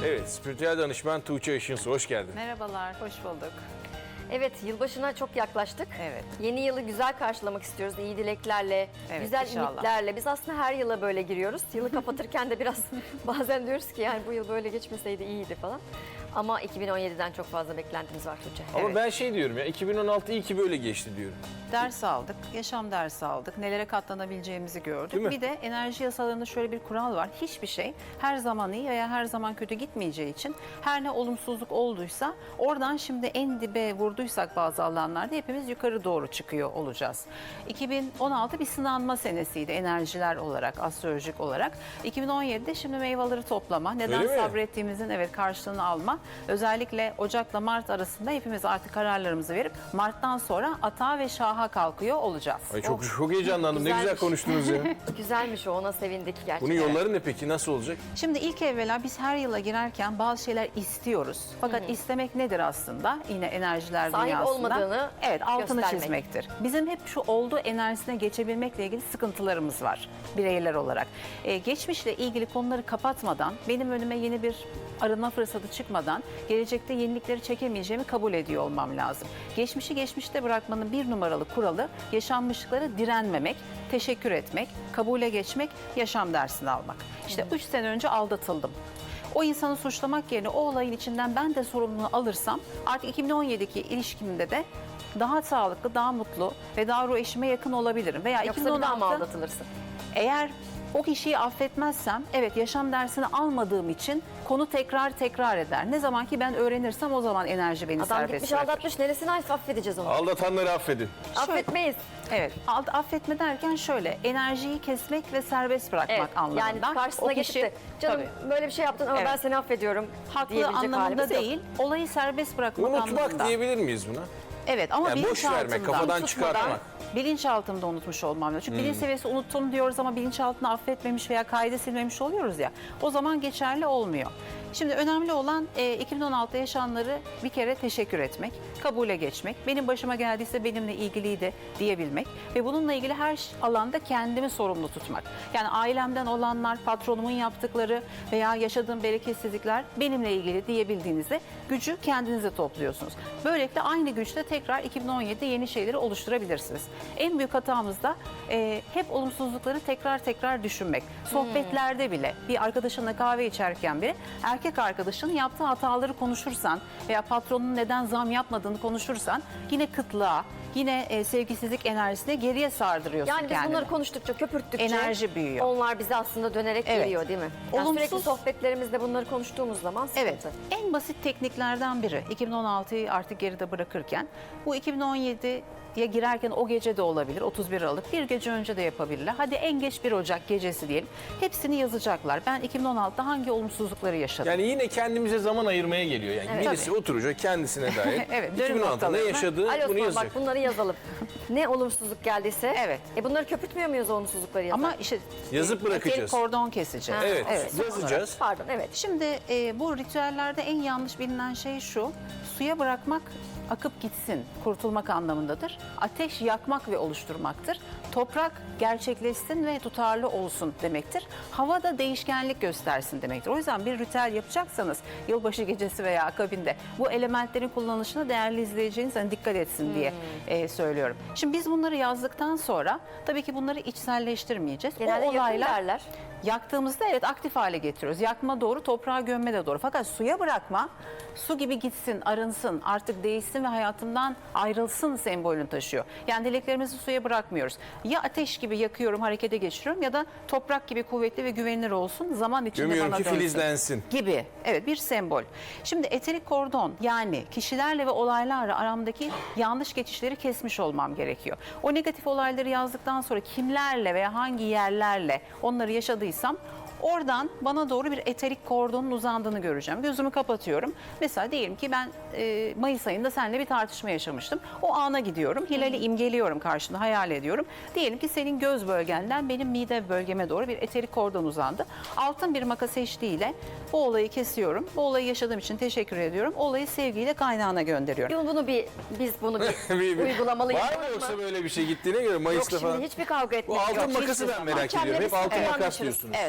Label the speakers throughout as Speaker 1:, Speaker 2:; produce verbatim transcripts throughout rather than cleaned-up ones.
Speaker 1: Evet, spiritüel danışman Tuğçe Işınsu, hoş geldin.
Speaker 2: Merhabalar, hoş bulduk.
Speaker 3: Evet, yılbaşına çok yaklaştık.
Speaker 2: Evet.
Speaker 3: Yeni yılı güzel karşılamak istiyoruz. İyi dileklerle,
Speaker 2: Evet,
Speaker 3: güzel
Speaker 2: inşallah.
Speaker 3: ümitlerle. Biz aslında her yıla böyle giriyoruz. Yılı kapatırken de biraz bazen diyoruz ki yani bu yıl böyle geçmeseydi iyiydi falan. Ama iki bin on yediden çok fazla beklentimiz var Tuğçe.
Speaker 1: Ama
Speaker 2: Evet.
Speaker 1: ben şey diyorum ya, iki bin on altı iyi ki böyle geçti diyorum.
Speaker 2: Ders aldık, yaşam dersi aldık, nelere katlanabileceğimizi
Speaker 1: Değil mi?
Speaker 2: gördük. Bir de enerji yasalarında şöyle bir kural var. Hiçbir şey her zaman iyi veya her zaman kötü gitmeyeceği için her ne olumsuzluk olduysa oradan şimdi en dibe vurduysak bazı alanlarda hepimiz yukarı doğru çıkıyor olacağız. iki bin on altı bir sınanma senesiydi enerjiler olarak, astrolojik olarak. iki bin on yedide şimdi meyveleri toplama, neden
Speaker 1: Öyle mi?
Speaker 2: sabrettiğimizin evet karşılığını alma. Özellikle Ocak'la Mart arasında hepimiz artık kararlarımızı verip Mart'tan sonra atağa ve şaha kalkıyor olacağız.
Speaker 1: Ay çok çok heyecanlandım. Ne güzel
Speaker 3: Güzelmiş.
Speaker 1: konuştunuz ya.
Speaker 3: Güzelmiş o, ona sevindik gerçekten.
Speaker 1: Bunun yolları ne peki? Nasıl olacak?
Speaker 2: Şimdi ilk evvela biz her yıla girerken bazı şeyler istiyoruz. Fakat istemek nedir aslında? Yine enerjiler
Speaker 3: Sahip
Speaker 2: dünyasında.
Speaker 3: olmadığını
Speaker 2: evet, altını
Speaker 3: göstermek.
Speaker 2: çizmektir. Bizim hep şu olduğu enerjisine geçebilmekle ilgili sıkıntılarımız var bireyler olarak. Ee, geçmişle ilgili konuları kapatmadan, benim önüme yeni bir arınma fırsatı çıkmadan gelecekte yenilikleri çekemeyeceğimi kabul ediyor olmam lazım. Geçmişi geçmişte bırakmanın bir numaralı kuralı yaşanmışlıklara direnmemek, teşekkür etmek, kabule geçmek, yaşam dersini almak. İşte üç sene önce aldatıldım. O insanı suçlamak yerine o olayın içinden ben de sorumluluğunu alırsam artık iki bin on yedideki ilişkimde de daha sağlıklı, daha mutlu ve daha ruh eşime yakın olabilirim. Veya
Speaker 3: Yoksa
Speaker 2: iki bin on
Speaker 3: bir daha mı
Speaker 2: altı
Speaker 3: aldatılırsın?
Speaker 2: eğer o kişiyi affetmezsem, evet yaşam dersini almadığım için konu tekrar tekrar eder. Ne zaman ki ben öğrenirsem o zaman enerji beni
Speaker 3: Adam
Speaker 2: serbest
Speaker 3: gitmiş
Speaker 2: bırakır.
Speaker 3: aldatmış, neresini affedeceğiz onu?
Speaker 1: Aldatanları affedin.
Speaker 3: Affetmeyiz.
Speaker 2: Evet, alt- affetme derken şöyle, enerjiyi kesmek ve serbest bırakmak
Speaker 3: Evet,
Speaker 2: anlamında.
Speaker 3: yani karşısına
Speaker 2: O
Speaker 3: geçip
Speaker 2: kişi-
Speaker 3: de canım
Speaker 2: Tabii.
Speaker 3: böyle bir şey yaptın ama
Speaker 2: Evet.
Speaker 3: ben seni affediyorum
Speaker 2: haklı
Speaker 3: diyebilecek
Speaker 2: anlamında
Speaker 3: halimiz yok.
Speaker 2: değil, olayı serbest bırakmak
Speaker 1: Unutmak
Speaker 2: anlamında.
Speaker 1: diyebilir miyiz buna?
Speaker 2: Evet ama
Speaker 1: Yani boş
Speaker 2: bilinçaltımda.
Speaker 1: vermek, kafadan
Speaker 2: unutmadan,
Speaker 1: çıkartmak.
Speaker 2: Bilinçaltımda unutmuş olmam lazım. Çünkü bilinç seviyesi unuttum diyoruz ama bilinçaltını affetmemiş veya kayda silmemiş oluyoruz ya. O zaman geçerli olmuyor. Şimdi önemli olan e, iki bin on altıda yaşananları bir kere teşekkür etmek, kabule geçmek, benim başıma geldiyse benimle ilgiliydi diyebilmek ve bununla ilgili her alanda kendimi sorumlu tutmak. Yani ailemden olanlar, patronumun yaptıkları veya yaşadığım bereketsizlikler benimle ilgili diyebildiğinizde gücü kendinize topluyorsunuz. Böylelikle aynı güçle tekrar iki bin on yedide yeni şeyleri oluşturabilirsiniz. En büyük hatamız da e, hep olumsuzlukları tekrar tekrar düşünmek. Sohbetlerde bile bir arkadaşınla kahve içerken bile erkek arkadaşının yaptığı hataları konuşursan veya patronun neden zam yapmadığını konuşursan yine kıtlığa, yine e, sevgisizlik enerjisine geriye sardırıyorsun
Speaker 3: Yani biz
Speaker 2: kendini.
Speaker 3: bunları konuştukça, köpürttükçe
Speaker 2: Enerji büyüyor.
Speaker 3: onlar bize aslında dönerek
Speaker 2: Evet.
Speaker 3: geliyor değil mi? Yani
Speaker 2: Olumsuz-
Speaker 3: sürekli sohbetlerimizde bunları konuştuğumuz zaman sıkıntı.
Speaker 2: Evet, en basit tekniklerden biri iki bin on altıyı artık geride bırakırken bu iki bin on yediye girerken o gece de olabilir, otuz bir Aralık, bir gece önce de yapabilirler. Hadi en geç bir Ocak gecesi diyelim. Hepsini yazacaklar. Ben iki bin on altıda hangi olumsuzlukları yaşadım?
Speaker 1: Yani yine kendimize zaman ayırmaya geliyor. Yani
Speaker 3: Evet.
Speaker 1: birisi oturacak kendisine dair.
Speaker 2: Evet,
Speaker 1: iki
Speaker 2: dönüm
Speaker 1: bin on altıda ne
Speaker 2: noktalarına.
Speaker 1: yaşadığı
Speaker 3: Ali
Speaker 1: bunu
Speaker 3: Osman
Speaker 1: yazacak.
Speaker 3: bak bunları yazalım. Ne olumsuzluk geldiyse.
Speaker 2: Evet.
Speaker 3: E bunları köpürtmüyor muyuz o olumsuzlukları yazarken?
Speaker 2: Ama işte
Speaker 1: Yazıp
Speaker 2: e,
Speaker 1: bırakacağız.
Speaker 2: eterik kordon keseceğiz.
Speaker 3: Ha,
Speaker 1: Evet,
Speaker 3: evet.
Speaker 1: yazacağız.
Speaker 3: Pardon, evet.
Speaker 2: Şimdi e, bu ritüellerde en yanlış bilinen şey şu, suya bırakmak akıp gitsin, kurtulmak anlamındadır. Ateş yakmak ve oluşturmaktır. Toprak gerçekleşsin ve tutarlı olsun demektir. Hava da değişkenlik göstersin demektir. O yüzden bir ritüel yapacaksanız yılbaşı gecesi veya akabinde bu elementlerin kullanışına değerli izleyeceğiniz hani dikkat etsin diye e, söylüyorum. Şimdi biz bunları yazdıktan sonra tabii ki bunları içselleştirmeyeceğiz.
Speaker 3: Genelde
Speaker 2: o
Speaker 3: yakın
Speaker 2: olaylar
Speaker 3: derler.
Speaker 2: yaktığımızda evet aktif hale getiriyoruz. Yakma doğru, toprağa gömme de doğru. Fakat suya bırakma, su gibi gitsin, arınsın, artık değişsin ve hayatımdan ayrılsın sembolünü taşıyor. Yani dileklerimizi suya bırakmıyoruz. Ya ateş gibi yakıyorum, harekete geçiriyorum ya da toprak gibi kuvvetli ve güvenilir olsun, zaman içinde
Speaker 1: Gömüyorum
Speaker 2: bana
Speaker 1: ki
Speaker 2: dönsün.
Speaker 1: filizlensin.
Speaker 2: Gibi. Evet, bir sembol. Şimdi eterik kordon, yani kişilerle ve olaylarla aramdaki yanlış geçişleri kesmiş olmam gerekiyor. O negatif olayları yazdıktan sonra kimlerle veya hangi yerlerle onları yaşadıysam oradan bana doğru bir eterik kordonun uzandığını göreceğim. Gözümü kapatıyorum. Mesela diyelim ki ben e, Mayıs ayında seninle bir tartışma yaşamıştım. O ana gidiyorum. Hilali imgeliyorum karşında, hayal ediyorum. Diyelim ki senin göz bölgenden benim mide bölgeme doğru bir eterik kordon uzandı. Altın bir makas eşliğiyle bu olayı kesiyorum. Bu olayı yaşadığım için teşekkür ediyorum. Olayı sevgiyle kaynağına gönderiyorum.
Speaker 3: Bunu, bunu bir, biz bunu bir,
Speaker 1: Bir- bir-
Speaker 3: uygulamalıyız.
Speaker 1: Var mı yoksa böyle bir şey gittiğine göre
Speaker 3: Yok
Speaker 1: Mayıs'ta
Speaker 3: şimdi
Speaker 1: falan?
Speaker 3: hiçbir kavga
Speaker 1: Bu
Speaker 3: etmek
Speaker 1: altın
Speaker 3: yok.
Speaker 1: makası
Speaker 3: Hiçbir
Speaker 1: ben
Speaker 3: zaman.
Speaker 1: merak ediyorum. Hep
Speaker 3: Hakemle biz
Speaker 1: altın
Speaker 3: iyi
Speaker 1: makas
Speaker 3: anlaşırız.
Speaker 1: diyorsunuz.
Speaker 2: Evet, altın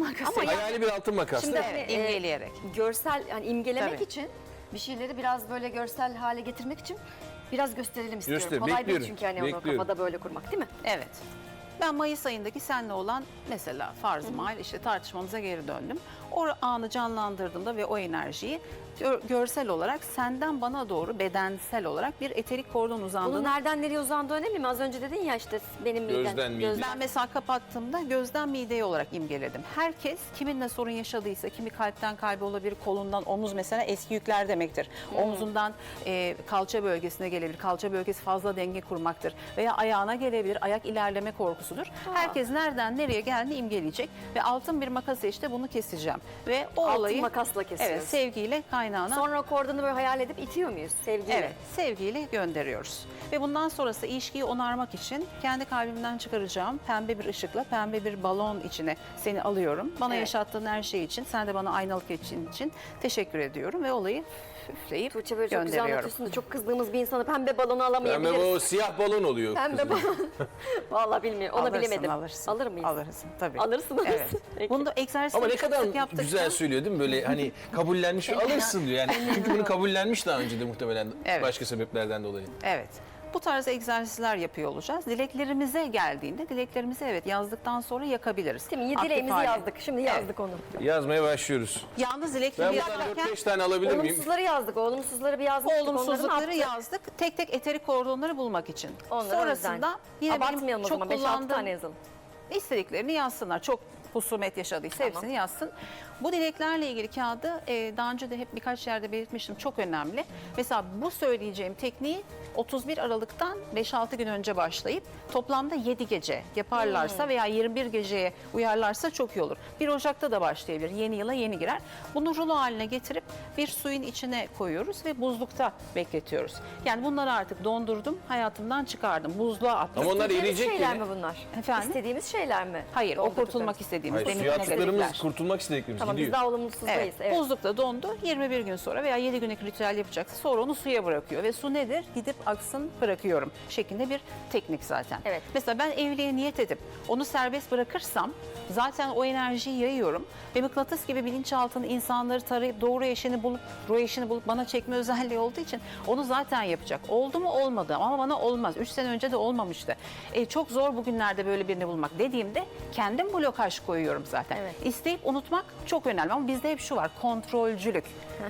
Speaker 2: makası.
Speaker 3: Ama ya-
Speaker 1: Hayali bir altın makas
Speaker 3: Şimdi
Speaker 1: değil mi?
Speaker 3: hani,
Speaker 2: Evet,
Speaker 3: e,
Speaker 2: imgeleyerek.
Speaker 3: görsel yani imgelemek
Speaker 2: Tabii.
Speaker 3: için bir şeyleri biraz böyle görsel hale getirmek için biraz gösterelim istiyorum.
Speaker 1: Göster,
Speaker 3: Kolay
Speaker 1: bekliyorum,
Speaker 3: değil çünkü hani onu
Speaker 1: bekliyorum.
Speaker 3: kafada böyle kurmak değil mi?
Speaker 2: Evet. Ben Mayıs ayındaki seninle olan mesela farz mahal işte tartışmamıza geri döndüm. O anı canlandırdığımda ve o enerjiyi gör- görsel olarak senden bana doğru bedensel olarak bir eterik kordon
Speaker 3: Bunun
Speaker 2: uzandığını
Speaker 3: nereden nereye uzandığı önemli mi? Az önce dedin ya işte benim midem.
Speaker 1: Gözden mideye.
Speaker 2: ben mesela kapattığımda gözden mideye olarak imgeledim. Herkes kiminle sorun yaşadıysa, kimi kalpten kalbe olabilir, kolundan omuz mesela eski yükler demektir. Omzundan e, kalça bölgesine gelebilir. Kalça bölgesi fazla denge kurmaktır. Veya ayağına gelebilir. Ayak ilerleme korkusudur. Herkes nereden nereye geldiğini imgeleyecek ve altın bir makasla işte bunu keseceğim. Ve o
Speaker 3: Altın
Speaker 2: olayı
Speaker 3: makasla kesiyoruz.
Speaker 2: evet, sevgiyle kaynağına
Speaker 3: Sonra o kordonu böyle hayal edip itiyor muyuz sevgiyle?
Speaker 2: Evet, sevgiyle gönderiyoruz. Ve bundan sonrası ilişkiyi onarmak için kendi kalbimden çıkaracağım pembe bir ışıkla, pembe bir balon içine seni alıyorum. Bana
Speaker 3: Evet.
Speaker 2: yaşattığın her şey için, sen de bana aynalık için, için teşekkür ediyorum ve olayı üfleyip
Speaker 3: Tuğçe böyle çok güzel
Speaker 2: gönderiyorum.
Speaker 3: anlatıyorsun da çok kızdığımız bir insana pembe balonu
Speaker 1: Pembe
Speaker 3: alamayabiliriz.
Speaker 1: o siyah balon oluyor.
Speaker 3: Pembe
Speaker 1: kızım.
Speaker 3: balon. Vallahi bilmiyorum. Onu
Speaker 2: Alırsın,
Speaker 3: bilemedim.
Speaker 2: Alırsın,
Speaker 3: Alır mıyız?
Speaker 2: Alırsın tabii.
Speaker 3: Alırsın, alırsın.
Speaker 2: Evet.
Speaker 3: Peki.
Speaker 2: Bunu da egzersizleri
Speaker 1: Ama ne
Speaker 2: çok
Speaker 1: kadar
Speaker 2: sık yaptıkça-
Speaker 1: güzel söylüyor değil mi? Böyle hani kabullenmiş ve alırsın diyor yani. Çünkü bunu kabullenmiş daha önce de muhtemelen
Speaker 2: Evet.
Speaker 1: başka sebeplerden dolayı.
Speaker 2: Evet. Bu tarz egzersizler yapıyor olacağız. Dileklerimize geldiğinde dileklerimizi evet yazdıktan sonra yakabiliriz.
Speaker 3: Değil mi?
Speaker 2: Aktif
Speaker 3: Dileğimizi
Speaker 2: hale.
Speaker 3: yazdık. Şimdi yazdık onu.
Speaker 1: Yazmaya başlıyoruz.
Speaker 2: Yalnız
Speaker 1: Ben
Speaker 2: dilekleri
Speaker 1: buradan
Speaker 2: yazarken
Speaker 1: dört beş tane alabilir miyim?
Speaker 3: Olumsuzları yazdık. Olumsuzları bir yazmıştık. Onları ne
Speaker 2: olumsuzlukları
Speaker 3: yaptık?
Speaker 2: yazdık. Tek tek eterik kordonları bulmak için.
Speaker 3: Onları
Speaker 2: Sonrasında
Speaker 3: önden.
Speaker 2: yine benim
Speaker 3: Abartmayalım o
Speaker 2: çok
Speaker 3: zaman. beş altı
Speaker 2: kullandığım
Speaker 3: tane yazalım.
Speaker 2: istediklerini yazsınlar. Çok husumet yaşadıysa
Speaker 3: Tamam.
Speaker 2: hepsini yazsın. Bu dileklerle ilgili kağıdı e, daha önce de hep birkaç yerde belirtmiştim. Çok önemli. Mesela bu söyleyeceğim tekniği otuz bir Aralık'tan beş altı gün önce başlayıp toplamda yedi gece yaparlarsa veya yirmi bir geceye uyarlarsa çok iyi olur. bir Ocak'ta da başlayabilir. Yeni yıla yeni girer. Bunu rulo haline getirip bir suyun içine koyuyoruz ve buzlukta bekletiyoruz. Yani bunları artık dondurdum, hayatımdan çıkardım. Buzluğa attım.
Speaker 1: Ama onlar
Speaker 3: İstediğimiz
Speaker 1: eriyecek
Speaker 3: şeyler
Speaker 1: yine.
Speaker 3: mi bunlar?
Speaker 2: Efendim?
Speaker 3: İstediğimiz şeyler mi?
Speaker 2: Hayır, o
Speaker 3: Doldurduklarımız.
Speaker 2: kurtulmak istediğimiz
Speaker 1: Hayır,
Speaker 2: benim
Speaker 1: suya attıklarımız,
Speaker 2: negatifler.
Speaker 1: kurtulmak istediklerimiz
Speaker 3: Tamam biz
Speaker 1: gidiyor.
Speaker 3: daha olumsuzdayız.
Speaker 2: Evet,
Speaker 3: Evet.
Speaker 2: buzlukta dondu. yirmi bir gün sonra veya yedi günlük ritüel yapacaksa sonra onu suya bırakıyor. Ve su nedir? Gidip aksın bırakıyorum şeklinde bir teknik zaten.
Speaker 3: Evet.
Speaker 2: Mesela ben evliliğe niyet edip onu serbest bırakırsam zaten o enerjiyi yayıyorum. Ve mıknatıs gibi bilinçaltını insanları tarayıp doğru eşini bulup, ruh eşini bulup bana çekme özelliği olduğu için onu zaten yapacak. Oldu mu olmadı ama bana olmaz. Üç sene önce de olmamıştı. E, çok zor bugünlerde böyle birini bulmak dediğimde kendim blokaj koyuyorum zaten.
Speaker 3: Evet.
Speaker 2: İsteyip unutmak çok önemli ama bizde hep şu var, kontrolcülük.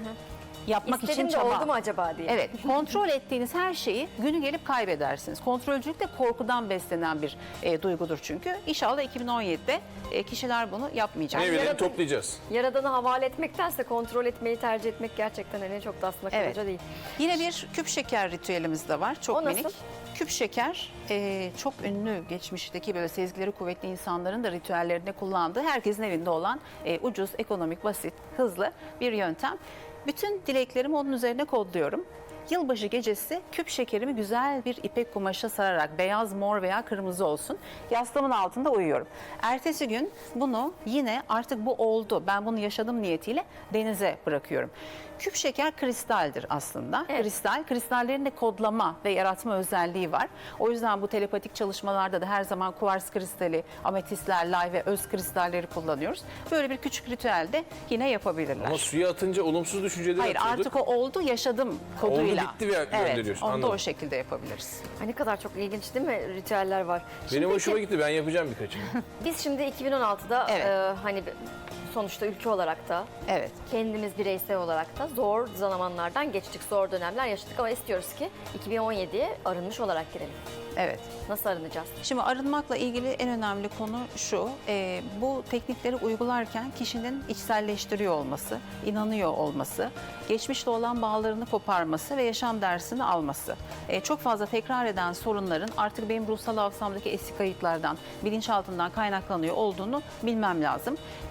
Speaker 2: Yapmak
Speaker 3: İstedim
Speaker 2: için
Speaker 3: de
Speaker 2: çaba.
Speaker 3: oldu mu acaba diye.
Speaker 2: Evet, kontrol ettiğiniz her şeyi günü gelip kaybedersiniz. Kontrolcülük de korkudan beslenen bir e, duygudur çünkü. İnşallah iki bin on yedide e, kişiler bunu yapmayacak.
Speaker 1: Meyveleri
Speaker 3: Yaratın-
Speaker 1: toplayacağız.
Speaker 3: Yaradanı havale etmektense kontrol etmeyi tercih etmek gerçekten hani çok da aslında
Speaker 2: Evet.
Speaker 3: kalıcı değil.
Speaker 2: Yine bir küp şeker ritüelimiz de var. Çok
Speaker 3: O nasıl?
Speaker 2: minik. Küp şeker e, çok ünlü geçmişteki böyle sezgileri kuvvetli insanların da ritüellerinde kullandığı, herkesin evinde olan e, ucuz, ekonomik, basit, hızlı bir yöntem. Bütün dileklerimi onun üzerine kodluyorum. Yılbaşı gecesi küp şekerimi güzel bir ipek kumaşa sararak beyaz, mor veya kırmızı olsun yastığımın altında uyuyorum. Ertesi gün bunu yine artık bu oldu, ben bunu yaşadım niyetiyle denize bırakıyorum. Küp şeker kristaldir aslında.
Speaker 3: Evet.
Speaker 2: Kristal, kristallerin de kodlama ve yaratma özelliği var. O yüzden bu telepatik çalışmalarda da her zaman kuvars kristali, ametistler, lay ve öz kristalleri kullanıyoruz. Böyle bir küçük ritüel de yine yapabilirler.
Speaker 1: Ama suya atınca olumsuz düşünceleri
Speaker 2: Hayır,
Speaker 1: atıyorduk.
Speaker 2: artık o oldu, yaşadım koduyla.
Speaker 1: bitti ve gönderiyorsun,
Speaker 2: Evet, onu da
Speaker 1: anladım.
Speaker 2: o şekilde yapabiliriz.
Speaker 3: Ay ne kadar çok ilginç değil mi ritüeller var. Şimdi
Speaker 1: Benim
Speaker 3: peki,
Speaker 1: hoşuma gitti, ben yapacağım birkaçını.
Speaker 3: Biz şimdi iki bin on altıda
Speaker 2: Evet.
Speaker 3: e, hani sonuçta ülke olarak da
Speaker 2: Evet.
Speaker 3: kendimiz bireysel olarak da zor zamanlardan geçtik, zor dönemler yaşadık ama istiyoruz ki iki bin on yediye arınmış olarak girelim.
Speaker 2: Evet.
Speaker 3: Nasıl arınacağız?
Speaker 2: Şimdi arınmakla ilgili en önemli konu şu, e, bu teknikleri uygularken kişinin içselleştiriyor olması, inanıyor olması, geçmişle olan bağlarını koparması ve yaşam dersini alması. E, çok fazla tekrar eden sorunların artık benim ruhsal hafızamdaki eski kayıtlardan, bilinçaltından kaynaklanıyor olduğunu bilmem lazım. Kişilerin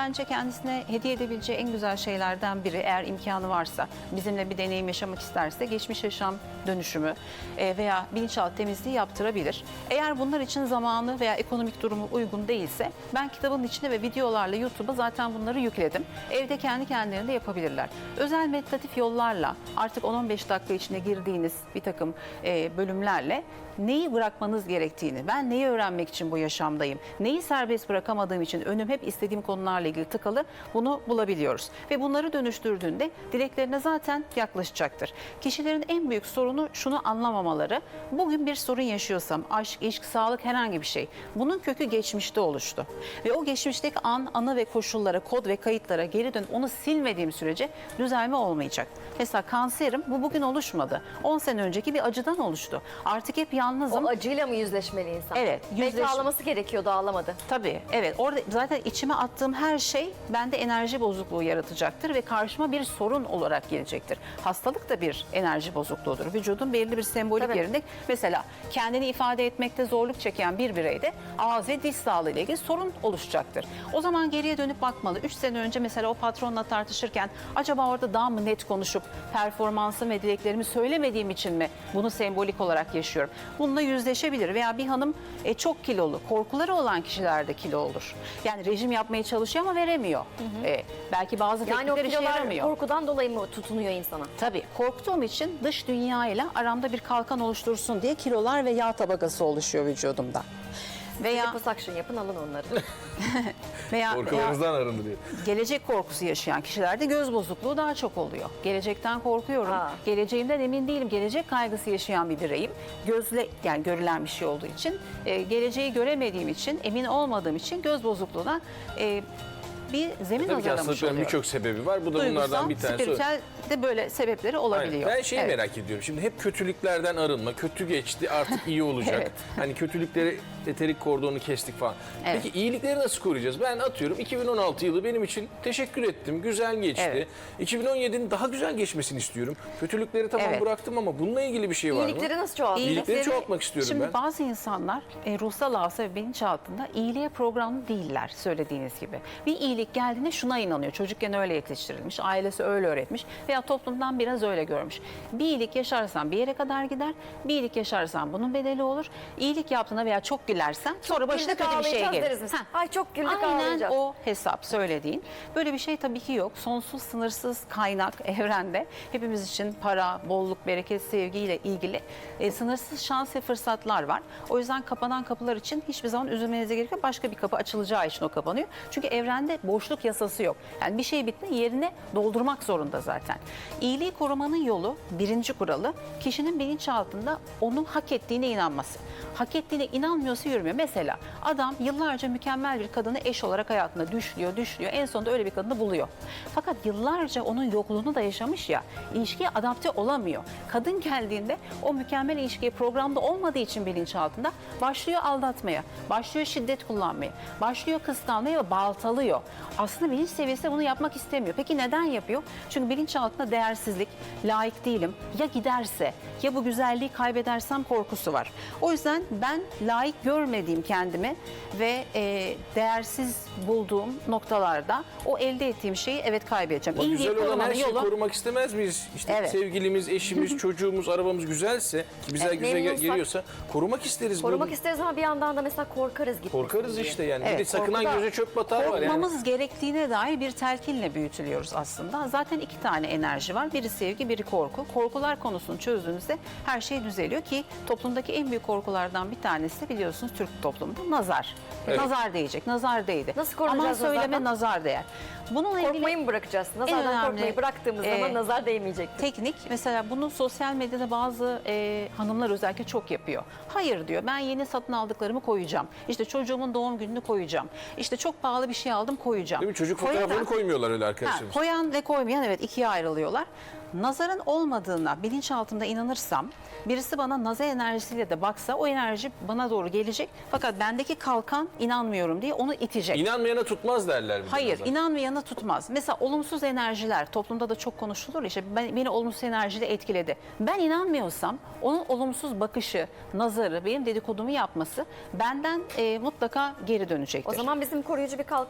Speaker 2: bence kendisine hediye edebileceği en güzel şeylerden biri, eğer imkanı varsa, bizimle bir deneyim yaşamak isterse, geçmiş yaşam dönüşümü e, veya bilinçaltı temizliği yaptırabilir. Eğer bunlar için zamanı veya ekonomik durumu uygun değilse, ben kitabın içine ve videolarla YouTube'a zaten bunları yükledim. Evde kendi kendilerine yapabilirler. Özel meditatif yollarla, artık on on beş dakika içinde girdiğiniz bir takım e, bölümlerle neyi bırakmanız gerektiğini, ben neyi öğrenmek için bu yaşamdayım, neyi serbest bırakamadığım için önüm hep istediğim konularla ilgili tıkalı, bunu bulabiliyoruz. Ve bunları dönüştürdüğünde dileklerine zaten yaklaşacaktır. Kişilerin en büyük sorunu şunu anlamamaları: bugün bir sorun yaşıyorsam, aşk, ilişki, sağlık, herhangi bir şey, bunun kökü geçmişte oluştu. Ve o geçmişteki an, anı ve koşullara, kod ve kayıtlara geri dönüp onu silmediğim sürece düzelme olmayacak. Mesela kanserim, bu bugün oluşmadı. on sene önceki bir acıdan oluştu. Artık hep yalnızım.
Speaker 3: O acıyla mı yüzleşmeli insan?
Speaker 2: Evet,
Speaker 3: Belki
Speaker 2: yüzleş-
Speaker 3: ağlaması gerekiyordu, ağlamadı.
Speaker 2: Tabii, evet. Orada zaten içime attığım her şey bende enerji bozukluğu yaratacaktır ve karşıma bir sorun olarak gelecektir. Hastalık da bir enerji bozukluğudur. Vücudun belirli bir sembolik
Speaker 3: Tabii.
Speaker 2: yerinde, mesela kendini ifade etmekte zorluk çeken bir bireyde ağız ve diş sağlığı ile ilgili sorun oluşacaktır. O zaman geriye dönüp bakmalı. üç sene önce mesela o patronla tartışırken acaba orada daha mı net konuşup performansım ve dileklerimi söylemediğim için mi bunu sembolik olarak yaşıyorum? Bununla yüzleşebilir. Veya bir hanım e, çok kilolu, korkuları olan kişilerde kilo olur. Yani rejim yapmaya çalışıyor ama veremiyor. E, belki bazı
Speaker 3: Yani o
Speaker 2: teknikler işe
Speaker 3: kilolar
Speaker 2: yaramıyor.
Speaker 3: korkudan dolayı mı tutunuyor insana?
Speaker 2: Tabii, korktuğum için dış dünya ile aramda bir kalkan oluştursun diye kilolar ve yağ tabakası oluşuyor vücudumda. Veya
Speaker 3: Liposuction yapın, alın onları.
Speaker 2: veya, veya
Speaker 1: Korkularınızdan arındı diyor.
Speaker 2: gelecek korkusu yaşayan kişilerde göz bozukluğu daha çok oluyor. Gelecekten korkuyorum.
Speaker 3: Ha.
Speaker 2: Geleceğimden emin değilim. Gelecek kaygısı yaşayan bir bireyim. Gözle, yani görülen bir şey olduğu için, e, geleceği göremediğim için, emin olmadığım için göz bozukluğuna e, bir zemin
Speaker 1: Tabii ki
Speaker 2: hazırlamış
Speaker 1: hastalıkların
Speaker 2: oluyorum.
Speaker 1: birçok sebebi var. Bu da
Speaker 2: Duygusal,
Speaker 1: bunlardan bir tanesi.
Speaker 2: spiritüel de böyle sebepleri olabiliyor.
Speaker 1: Aynen. Ben şeyi
Speaker 2: Evet.
Speaker 1: merak ediyorum. Şimdi hep kötülüklerden arınma. Kötü geçti, artık iyi olacak.
Speaker 2: Evet.
Speaker 1: Hani kötülükleri, eterik kordonu kestik falan.
Speaker 2: Evet.
Speaker 1: Peki iyilikleri nasıl koruyacağız? Ben atıyorum iki bin on altı yılı benim için teşekkür ettim. Güzel geçti.
Speaker 2: Evet.
Speaker 1: iki bin on yedinin daha güzel geçmesini istiyorum. Kötülükleri tamam
Speaker 2: Evet.
Speaker 1: bıraktım ama bununla ilgili bir şey var mı?
Speaker 3: İyilikleri nasıl çoğaltıyor?
Speaker 1: İyilikleri
Speaker 2: İyilikleri-
Speaker 1: çoğaltmak istiyorum
Speaker 2: Şimdi
Speaker 1: ben.
Speaker 2: bazı insanlar e, ruhsal hafıza ve bilinçaltında iyiliğe programlı değiller, söylediğiniz gibi. Bir iyilik geldiğinde şuna inanıyor. Çocukken öyle yetiştirilmiş, ailesi öyle öğretmiş veya toplumdan biraz öyle görmüş. Bir iyilik yaşarsan bir yere kadar gider, bir iyilik yaşarsan bunun bedeli olur. İyilik yaptığına veya çok gülersen sonra başına
Speaker 3: Güldük,
Speaker 2: kötü bir şey
Speaker 3: ağlayacağız
Speaker 2: gelir.
Speaker 3: deriz biz.
Speaker 2: Heh.
Speaker 3: Ay çok güldük,
Speaker 2: Aynen
Speaker 3: ağlayacağız.
Speaker 2: o hesap söylediğin. Böyle bir şey tabii ki yok. Sonsuz, sınırsız kaynak evrende. Hepimiz için para, bolluk, bereket, sevgiyle ilgili e, sınırsız şans ve fırsatlar var. O yüzden kapanan kapılar için hiçbir zaman üzülmenize gerek yok. Başka bir kapı açılacağı için o kapanıyor. Çünkü evrende boşluk yasası yok. Yani bir şey bitti, yerine doldurmak zorunda zaten. İyiliği korumanın yolu, birinci kuralı, kişinin bilinçaltında onun hak ettiğine inanması. Hak ettiğine inanmıyorsa yürümüyor. Mesela adam yıllarca mükemmel bir kadını eş olarak hayatında düşlüyor, düşlüyor. En sonunda öyle bir kadını buluyor. Fakat yıllarca onun yokluğunu da yaşamış ya, ilişkiye adapte olamıyor. Kadın geldiğinde o mükemmel ilişkiye programda olmadığı için bilinçaltında başlıyor aldatmaya, başlıyor şiddet kullanmaya, başlıyor kıskanmaya ve baltalıyor. Aslında bilinç seviyesinde bunu yapmak istemiyor. Peki neden yapıyor? Çünkü bilinçaltında değersizlik, layık değilim, ya giderse, ya bu güzelliği kaybedersem korkusu var. O yüzden ben layık görmediğim kendimi ve e, değersiz bulduğum noktalarda o elde ettiğim şeyi evet kaybedeceğim.
Speaker 1: Ama
Speaker 2: İyiliği
Speaker 1: güzel olan
Speaker 2: korumanın
Speaker 1: her şeyi
Speaker 2: yolu-
Speaker 1: korumak istemez miyiz? İşte
Speaker 2: Evet.
Speaker 1: sevgilimiz, eşimiz, çocuğumuz, arabamız güzelse, ki bize
Speaker 3: Evet,
Speaker 1: güzel gel-
Speaker 3: memnunsak-
Speaker 1: geliyorsa korumak isteriz.
Speaker 3: Korumak
Speaker 1: bunu.
Speaker 3: isteriz ama bir yandan da mesela korkarız gitmesin
Speaker 1: Korkarız
Speaker 3: diye.
Speaker 1: işte yani.
Speaker 2: Evet,
Speaker 1: bir de sakınan
Speaker 2: korkuda-
Speaker 1: göze çöp batar var yani.
Speaker 2: Korkmamız gerektiğine dair bir telkinle büyütülüyoruz aslında. Zaten iki tane enerji var. Biri sevgi, biri korku. Korkular konusunu çözdüğünüzde her şey düzeliyor ki toplumdaki en büyük korkulardan bir tanesi de biliyorsunuz Türk toplumunda nazar.
Speaker 1: Evet.
Speaker 2: Nazar değecek, nazar değdi.
Speaker 3: Nasıl korunacağız
Speaker 2: Aman söyleme
Speaker 3: nazardan?
Speaker 2: nazar değer. Bununla ilgili
Speaker 3: Korkmayı mı bırakacağız?
Speaker 2: En
Speaker 3: Nazardan
Speaker 2: önemli,
Speaker 3: korkmayı bıraktığımız
Speaker 2: e,
Speaker 3: zaman nazar değmeyecektir.
Speaker 2: teknik, mesela bunu sosyal medyada bazı e, hanımlar özellikle çok yapıyor. Hayır diyor, ben yeni satın aldıklarımı koyacağım. İşte çocuğumun doğum gününü koyacağım. İşte çok pahalı bir şey aldım, koyacağım.
Speaker 1: Değil mi? Çocuk
Speaker 2: Koyarak-
Speaker 1: fotoğrafını koymuyorlar öyle
Speaker 2: Ha,
Speaker 1: arkadaşlarımız.
Speaker 2: koyan ve koymayan evet ikiye ayrılıyorlar. Nazarın olmadığına bilinçaltımda inanırsam, birisi bana nazar enerjisiyle de baksa o enerji bana doğru gelecek. Fakat bendeki kalkan inanmıyorum diye onu itecek.
Speaker 1: İnanmayana tutmaz derler. bir de
Speaker 2: Hayır,
Speaker 1: nazar.
Speaker 2: inanmayana tutmaz. Mesela olumsuz enerjiler toplumda da çok konuşulur. İşte ben, beni olumsuz enerjiyle etkiledi. Ben inanmıyorsam onun olumsuz bakışı, nazarı, benim dedikodumu yapması benden e, mutlaka geri dönecektir.
Speaker 3: O zaman bizim koruyucu bir kalkan oluşturmamız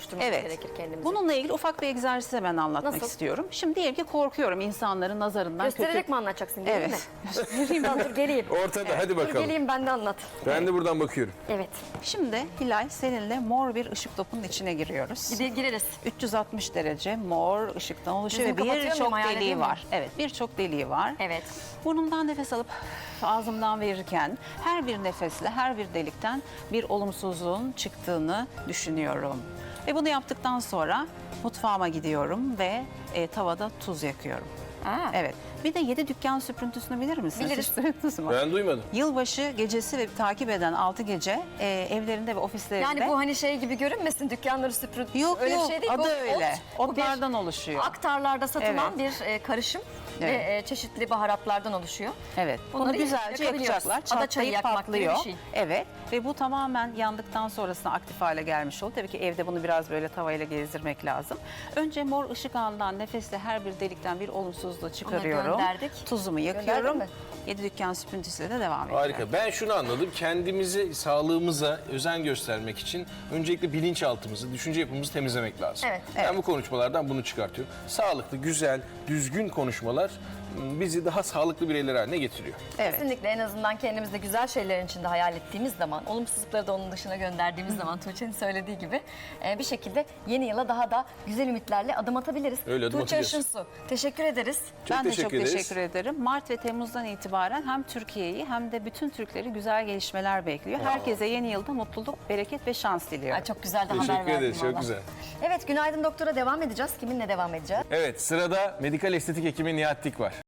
Speaker 3: oluşturmamız
Speaker 2: Evet.
Speaker 3: gerekir kendimize.
Speaker 2: Bununla ilgili ufak bir egzersiz hemen anlatmak
Speaker 3: Nasıl?
Speaker 2: istiyorum. Şimdi diyelim ki korkuyorum insanların nazarından.
Speaker 3: Göstererek
Speaker 2: kötü...
Speaker 3: mi anlatacaksın değil mi?
Speaker 2: Evet.
Speaker 3: Göstereyim ben, dur geleyim.
Speaker 1: Ortada hadi
Speaker 3: Dur
Speaker 1: bakalım.
Speaker 3: geleyim ben de anlat.
Speaker 1: Ben de buradan bakıyorum.
Speaker 3: Evet.
Speaker 2: Şimdi Hilal seninle mor bir ışık topunun içine giriyoruz.
Speaker 3: Gide- gireriz.
Speaker 2: üç yüz altmış derece mor ışıktan oluşuyor
Speaker 3: Gözümü
Speaker 2: ve
Speaker 3: kapatıyor muyum,
Speaker 2: birçok
Speaker 3: hayal edeyim
Speaker 2: deliği
Speaker 3: mi?
Speaker 2: var. Evet, birçok deliği var.
Speaker 3: Evet.
Speaker 2: Burnumdan nefes alıp ağzımdan verirken her bir nefesle her bir delikten bir olumsuzluğun çıktığını düşünüyorum. Ve bunu yaptıktan sonra mutfağıma gidiyorum ve e, tavada tuz yakıyorum.
Speaker 3: Aa.
Speaker 2: Evet. Bir de yedi dükkan süprüntüsünü bilir misiniz?
Speaker 3: Biliriz.
Speaker 2: Hiç duydunuz mu?
Speaker 1: Ben duymadım.
Speaker 2: Yılbaşı gecesi ve takip eden altı gece e, evlerinde ve ofislerinde.
Speaker 3: Yani bu hani şey gibi görünmesin, dükkanları süpürün.
Speaker 2: Yok
Speaker 3: öyle
Speaker 2: yok
Speaker 3: bir şey değil.
Speaker 2: adı
Speaker 3: Bu
Speaker 2: öyle.
Speaker 3: ot, bu bir
Speaker 2: Otlardan oluşuyor.
Speaker 3: aktarlarda satılan
Speaker 2: Evet.
Speaker 3: bir e, karışım
Speaker 2: Evet.
Speaker 3: ve e, çeşitli baharatlardan oluşuyor.
Speaker 2: Evet.
Speaker 3: Bunları
Speaker 2: Bunu güzelce
Speaker 3: yakabiliyoruz.
Speaker 2: yakacaklar.
Speaker 3: Ada çayı
Speaker 2: Çatlayıp
Speaker 3: yakmak gibi bir
Speaker 2: patlıyor.
Speaker 3: şey.
Speaker 2: Evet. Ve bu tamamen yandıktan sonrasında aktif hale gelmiş oldu. Tabii ki evde bunu biraz böyle tavayla gezdirmek lazım. Önce mor ışık ağından nefesle her bir delikten bir olumsuzluğu çıkarıyorum.
Speaker 3: gönderdik.
Speaker 2: Tuzumu
Speaker 3: Gönderdin
Speaker 2: yakıyorum.
Speaker 3: mi?
Speaker 2: Yedi dükkan süprüntüsüyle de devam ediyorum.
Speaker 1: Harika. Ben şunu anladım. Kendimizi, sağlığımıza özen göstermek için öncelikle bilinçaltımızı, düşünce yapımızı temizlemek lazım.
Speaker 3: Evet.
Speaker 1: Ben
Speaker 2: Evet.
Speaker 1: bu konuşmalardan bunu çıkartıyorum. Sağlıklı, güzel, düzgün konuşmalar m, bizi daha sağlıklı bireyler haline getiriyor.
Speaker 2: Evet.
Speaker 3: Kesinlikle en azından kendimizde güzel şeylerin içinde hayal ettiğimiz zaman, olumsuzlukları da onun dışına gönderdiğimiz zaman Tuğçe'nin söylediği gibi e, bir şekilde yeni yıla daha da güzel ümitlerle adım atabiliriz.
Speaker 1: Öyle adım
Speaker 3: Tuğçe
Speaker 1: atacağız.
Speaker 3: Işınsu, teşekkür ederiz.
Speaker 1: Çok
Speaker 2: ben de çok
Speaker 1: teşekkür ederiz.
Speaker 2: teşekkür ederim. Mart ve Temmuz'dan itibaren hem Türkiye'yi hem de bütün Türkleri güzel gelişmeler bekliyor. Herkese yeni yılda mutluluk, bereket ve şans diliyorum.
Speaker 3: Ay, çok güzel de haber
Speaker 1: Teşekkür
Speaker 3: verdin
Speaker 1: ederiz. Çok
Speaker 3: valla.
Speaker 1: güzel.
Speaker 3: Evet, Günaydın Doktor'a devam edeceğiz. Kiminle devam edeceğiz?
Speaker 1: Evet, sırada medikal estetik hekimi Nihat Dik var.